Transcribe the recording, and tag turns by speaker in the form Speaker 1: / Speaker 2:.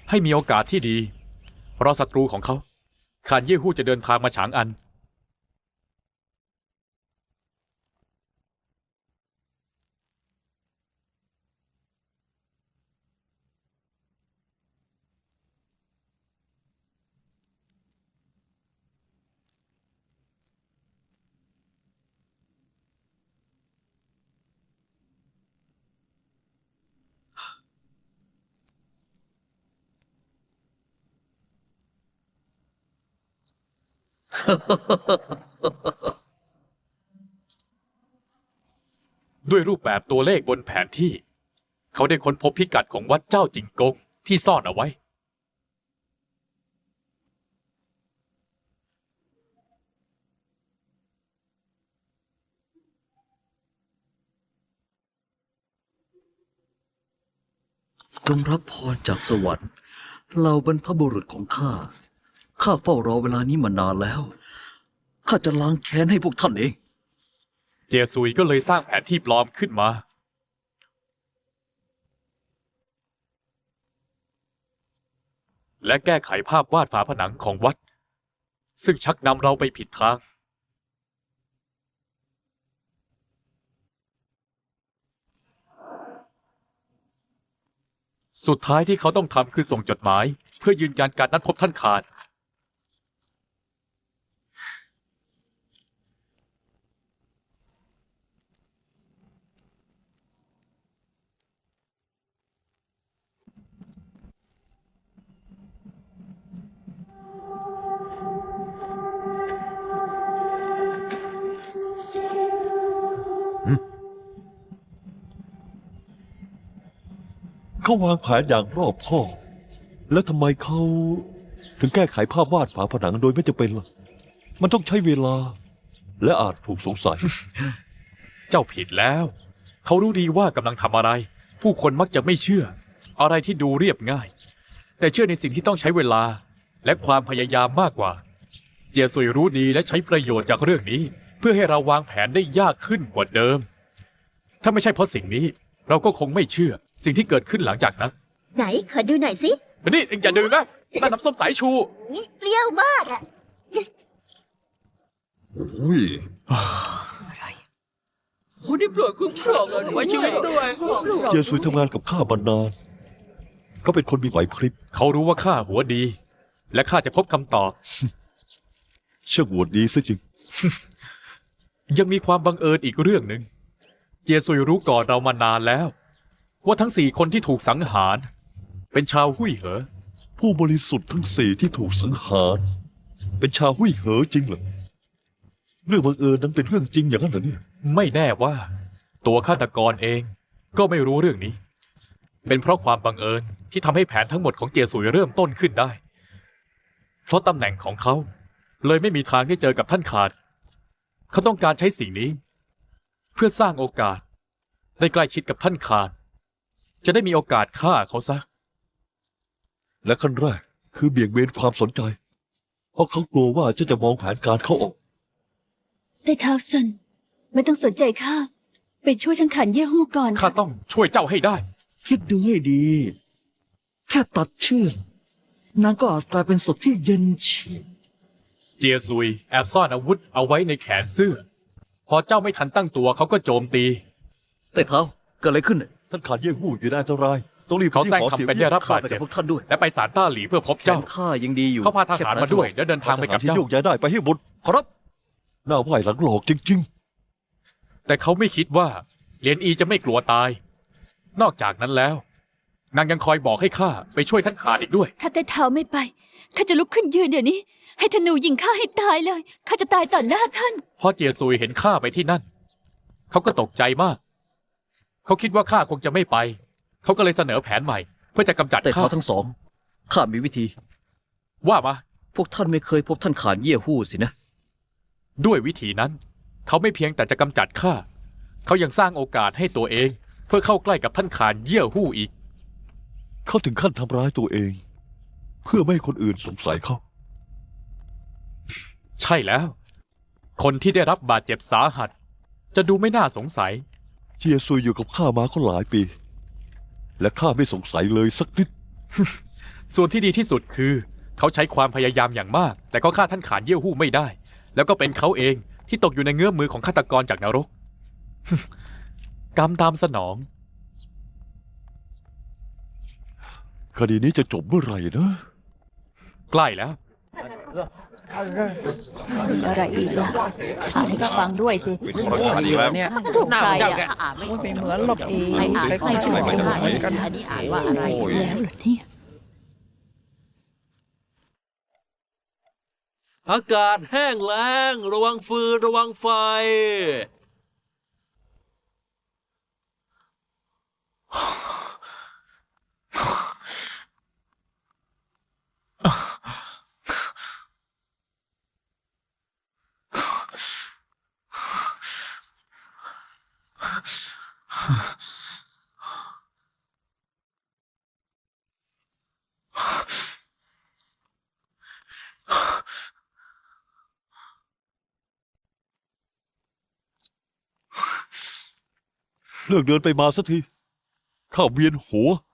Speaker 1: ให้มีโอกาสที่ดีเพราะศัตรูของเขาขานเย่ฮู้จะเดินทางมาฉางอันด้วยรูปแบบตัวเลขบนแผนที่เขาได้ค้นพบพิกัดของวัดเจ้าจิงกงที่ซ่อนเอาไว้
Speaker 2: จงรับพรจากสวรรค์เหล่าบรรพบุรุษของข้าเฝ้ารอเวลานี้มานานแล้วข้าจะล้างแค้นให้พวกท่านเอง
Speaker 1: เจียซุยก็เลยสร้างแผนที่ปลอมขึ้นมาและแก้ไขภาพวาดฝาผนังของวัดซึ่งชักนำเราไปผิดทางสุดท้ายที่เขาต้องทำคือส่งจดหมายเพื่อยืนยันการนัดพบท่านขาน
Speaker 3: เขาวางแผนอย่างรอบคอบแล้วทำไมเขาถึงแก้ไขภาพวาดฝาผนังโดยไม่จำเป็นล่ะมันต้องใช้เวลาและอาจถูกสงสัย
Speaker 1: เจ้าผิดแล้วเขารู้ดีว่ากำลังทำอะไรผู้คนมักจะไม่เชื่ออะไรที่ดูเรียบง่ายแต่เชื่อในสิ่งที่ต้องใช้เวลาและความพยายามมากกว่าเจียซุยรู้ดีและใช้ประโยชน์จากเรื่องนี้เพื่อให้เราวางแผนได้ยากขึ้นกว่าเดิมถ้าไม่ใช่เพราะสิ่งนี้เราก็คงไม่เชื่อสิ่งที่เกิดขึ้นหลังจากนั้น
Speaker 4: ไหนขอดูหน่อยสิ
Speaker 1: นี่เอ็งอย่าดื่มนะนั่นน้ำส้มสายชู
Speaker 4: เปรี้ยวมากอ่ะ
Speaker 3: อุ้ย
Speaker 5: ผู้ที่โปรดคุ้มครองไว้ชีวิตด้วย
Speaker 3: เจสุยทำงานกับข้ามานานเขาเป็นคนมีไหวพริบ
Speaker 1: เขารู้ว่าข้าหัวดีและข้าจะพบคำตอบ
Speaker 3: เชื่อหัวดีซะจริง
Speaker 1: ยังมีความบังเอิญอีกเรื่องหนึ่งเจียซุยรู้ก่อนเรามานานแล้วว่าทั้ง4 คนที่ถูกสังหารเป็นชาวหุ่ยเหอ
Speaker 3: ผู้บริสุทธิ์ทั้ง4ที่ถูกสังหารเป็นชาวหุ่ยเหอจริงเหรอเรื่องบังเอิญนั้นเป็นเรื่องจริงอย่างนั้นเหรอเนี่ย
Speaker 1: ไม่แน่ว่าตัวฆาตกรเองก็ไม่รู้เรื่องนี้เป็นเพราะความบังเอิญที่ทำให้แผนทั้งหมดของเจียซุยเริ่มต้นขึ้นได้เพราะตำแหน่งของเขาเลยไม่มีทางได้เจอกับท่านขาดเขาต้องการใช้สิ่งนี้เพื่อสร้างโอกาสได้ใกล้ชิดกับท่านขาดจะได้มีโอกาสฆ่าเขาซะ
Speaker 3: และขั้นแรกคือเบี่ยงเบนความสนใจเพราะเขากลัวว่าจะมองแผนการเขาออก
Speaker 6: แต่ท้าวซันไม่ต้องสนใจข้าไปช่วยทั้งขันเย่ฮู้ก่อน
Speaker 1: ข้าต้องช่วยเจ้าให้ได้
Speaker 2: คิดดูให้ดีแค่ตัดเชือกนางก็อาจกลายเป็นศพที่เย็นเฉียบ
Speaker 1: เจียซุยแอบซ่อนอาวุธเอาไว้ในแขนเสื้อพอเจ้าไม่ทันตั้งตัวเขาก็โจมตี
Speaker 2: แต่เขาเกิดอะไรขึ้น
Speaker 3: ท่านขาดเย่หู้อยู่ในอันตรายต้องรีบ
Speaker 1: เขาแซงทำเป็นได้รับบาดเจ็บ
Speaker 2: พวกท่านด้วย
Speaker 1: และไปศาลต้าหลีเพื่อพบเจ้า
Speaker 2: ข้ายังดีอยู่
Speaker 1: เขาพาทหารมาด้วยและเดินทางไปกับ
Speaker 3: ที่
Speaker 1: เจ้า
Speaker 3: โยกย้ายได้ไปให้หมด
Speaker 2: ครับ
Speaker 3: หน้าไหวหลังหลอกจริง
Speaker 1: แต่เขาไม่คิดว่าเหรียญอีจะไม่กลัวตายนอกจากนั้นแล้วนางยังคอยบอกให้ข้าไปช่วยท่านขาดอีกด้วย
Speaker 6: ถ้าแต่เท้าไม่ไปข้าจะลุกขึ้นยืนเดี๋ยวนี้ให้ธนูยิงข้าให้ตายเลยข้าจะตายต่อหน้าท่าน
Speaker 1: พอเจียซุยเห็นข้าไปที่นั่นเขาก็ตกใจมากเขาคิดว่าข้าคงจะไม่ไปเขาก็เลยเสนอแผนใหม่เพื่อจะกำจัด
Speaker 2: แต่
Speaker 1: ข้า
Speaker 2: เขาทั้งสองข้ามีวิธี
Speaker 1: ว่ามา
Speaker 2: พวกท่านไม่เคยพบท่านขานเย่ฮู้สินะ
Speaker 1: ด้วยวิธีนั้นเขาไม่เพียงแต่จะกำจัดข้าเขายังสร้างโอกาสให้ตัวเองเพื่อเข้าใกล้กับท่านขานเย่ฮู้อีก
Speaker 3: เขาถึงขั้นทำร้ายตัวเองเพื่อไม่ให้คนอื่นสงสัยเขา
Speaker 1: ใช่แล้วคนที่ได้รับบาดเจ็บสาหัสจะดูไม่น่าสงสัย
Speaker 3: เจียซุยอยู่กับข้ามาก็หลายปีและข้าไม่สงสัยเลยสักนิด
Speaker 1: ส่วนที่ดีที่สุดคือ เขาใช้ความพยายามอย่างมาก แต่ก็ฆ่าท่านขานเยี่ยวหู้ไม่ได้ แล้วก็เป็นเขาเองที่ตกอยู่ในเงื้อมมือของฆาตกรจากนรก กรรมตามสนอง
Speaker 3: คดีนี้จะจบเมื่อไหร่นะ
Speaker 1: ใกล้แล้ว
Speaker 7: มีอะไรอีกล่ะอ่านให้ก็ฟังด้วยสิ
Speaker 8: เนี่ย
Speaker 7: รูปใคร
Speaker 5: เจ้า
Speaker 7: อ่ะ
Speaker 5: แกอ่านไม่
Speaker 8: ไม่เหมือนหรอก
Speaker 7: ใครอ่านไม่ถูก
Speaker 8: ไม่เหมือนกัน
Speaker 5: อันนี้อ่านว่าอะไร
Speaker 6: แล้วเหรอเนี่ย
Speaker 9: อากาศแห้งแล้ง ระวังฟืนระวังไฟ
Speaker 3: เลิกเดินไปมาสักที ข้าเวียนหัว